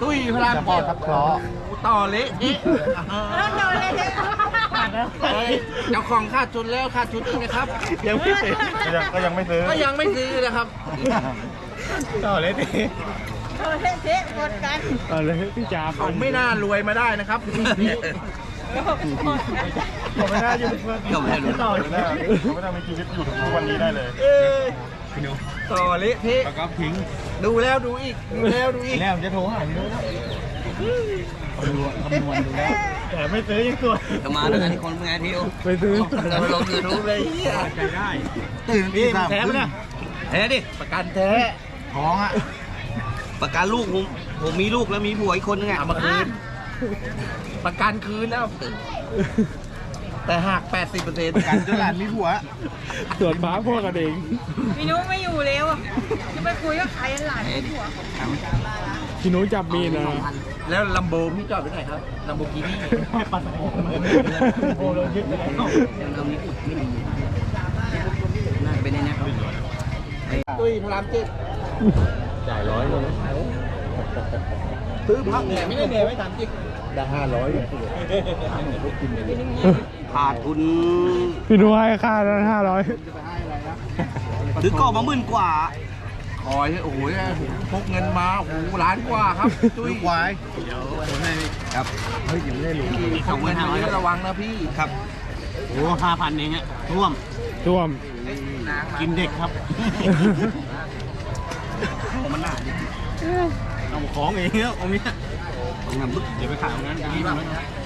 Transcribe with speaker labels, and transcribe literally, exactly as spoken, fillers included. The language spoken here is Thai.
Speaker 1: ตุ้ยพลาม
Speaker 2: พอทับเคราะห์
Speaker 1: ต่อเละเอ๊ะ
Speaker 3: ต่อเละ
Speaker 1: เจ้าของขาดทุนแล้วขาดทุนอีกนะครับ
Speaker 2: ยังไม่ซื้อก็ยังไม่ซื้อ
Speaker 1: ก็ยังไม่ซื้อนะครับ
Speaker 2: ต่อเลยดิ
Speaker 3: ต่อเละเทะหมดกัน
Speaker 2: ต่อเลยพี่จ๋า
Speaker 1: เขาไม่น่ารวยมาได้นะครับ
Speaker 2: ผมไม่น่าอยู่ก็ไม่รู้ต่อไม่ได้ไม่ได้มีชีวิตอยู่ถึงทุกวันนี้ได้เลย
Speaker 1: เออต่อเละเทะ
Speaker 2: แล้วก็ทิ้ง
Speaker 1: ดูแล้วดูอีกดูแล้วดูอีก
Speaker 2: แล้วจะโทรหาพี่นุ้ยดูคำนวณดูแล้วแต่ไม่ซื้อยังตัว
Speaker 4: จะมาด้วยกันที่คนเป็นไงทิว
Speaker 2: ไปซื้อ
Speaker 4: จะมาลงยูทูบเลย
Speaker 2: ใจได้ตื่นพี่แท้ไหมเนี่ย
Speaker 4: แท้ดิ
Speaker 1: ประกันแท้
Speaker 2: ท้องอ่ะ
Speaker 4: ประกันลูกผมผมมีลูกแล้วมีผัวอีกคนนึงไง
Speaker 1: เอามาคืนประกันคืนแล้วแต่หัก แปดสิบเปอร์เซ็นต์
Speaker 2: กันจนหลานมีผัว
Speaker 5: ส่วนฟ้าพ่อกันเอง
Speaker 3: พี่นุ้ไม่อยู่แล้วอะจะไปคุยกับใครหลานเป็นผัว
Speaker 5: พี่นุ้ยจับมีดนะ
Speaker 1: แล้วลัมโบพี่จอดไว้ไหนครับลัมโบกินี่
Speaker 2: ปัดโอ้โหเรายึดไปแล้ว
Speaker 4: เรามีไม่มีน่าจะเป็นในนี้ครับ
Speaker 1: ตุ้ยพลามเจ็ด
Speaker 2: จ่ายร้อยเลย
Speaker 1: ซื้อพักเนี่ยไม่ได้เนี่ยไม่ถามจริง
Speaker 2: ได้ห้าร้อย
Speaker 4: ขาดทุน
Speaker 5: พี่นุ้ยให้ค่านั้นห้าร้อย
Speaker 4: ซื้อกล่องมาหมื่นกว่า
Speaker 1: คอยโอ้โหพกเงินมาโอ้โหล้านกว่าครับตุ้ย
Speaker 2: ควาย
Speaker 4: ครับ
Speaker 2: เฮ้ยยังไม่ได้รู้
Speaker 1: พกเงินมาเยอะระวังนะพี่
Speaker 4: ครับ
Speaker 2: โอ้ห้าพันเองอ่ะท่วม
Speaker 5: ท่วม
Speaker 2: กินเด็กครับ
Speaker 4: มันหนาดิ
Speaker 2: เอาของเองแล้วเอาเนี้ย
Speaker 4: ต้องทำบึก
Speaker 2: เดี๋ยวไปขายตรงนั้นดีมาก